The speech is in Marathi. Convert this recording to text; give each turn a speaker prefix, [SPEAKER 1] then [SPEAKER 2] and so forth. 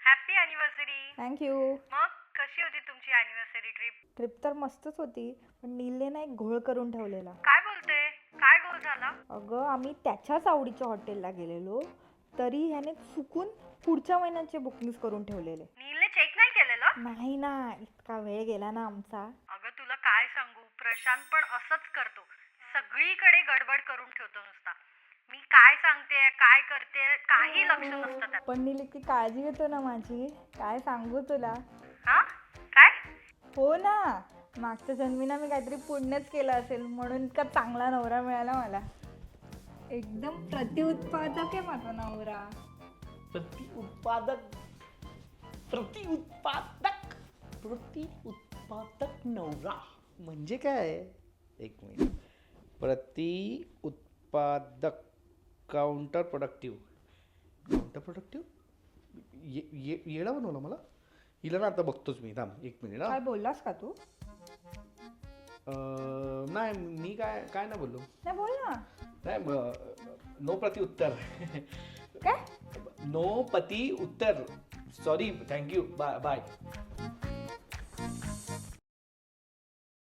[SPEAKER 1] Happy anniversary.
[SPEAKER 2] थँक्यू.
[SPEAKER 1] मग कशी होती तुमची अॅनिव्हर्सरी ट्रिप?
[SPEAKER 2] ट्रिप तर मस्तच होती, पण नीलने ना एक घोळ करून ठेवलेला.
[SPEAKER 1] काय बोलते? काय गोल झाला?
[SPEAKER 2] अगं आम्ही त्याच्याच आवडीच्या हॉटेलला गेलेलो, तरी ह्याने चुकून पुढच्या महिन्याचे बुकिंग्स करून ठेवलेले.
[SPEAKER 1] नीलने चेक नाही केलेलं?
[SPEAKER 2] नाही ना, इतका वेळ गेला ना आमचा.
[SPEAKER 1] अगं तुला काय सांगू, प्रशांत पण असंच करतो. सगळीकडे गडबड करून ठेवतो नुसता. मी काय सांगते काय करते काही लक्ष नसतं त्यात.
[SPEAKER 2] पण नील इतकी काळजी घेतो ना माझी, काय सांगू तुला.
[SPEAKER 1] हा? काय?
[SPEAKER 2] हो ना, मागच्या जन्मीना मी काहीतरी पुण्यच केलं असेल म्हणून इतका चांगला नवरा मिळाला मला. एकदम प्रतिउत्पादक आहे माझा नवरा.
[SPEAKER 3] प्रतिउत्पादक नवरा म्हणजे काय? एक मिनिट. प्रतिउत्पादक काउंटर प्रोडक्टिव्ह येडा बनवला मला. हिला ना आता बघतोच मी. थांब एक मिनिट.
[SPEAKER 2] काय बोललास का तू?
[SPEAKER 3] नाही मी काय काय नाही बोललो.
[SPEAKER 2] नाही बोल ना.
[SPEAKER 3] नाही नो प्रति उत्तर.
[SPEAKER 2] काय?
[SPEAKER 3] नो पती उत्तर. सॉरी. थँक्यू. Bye bye.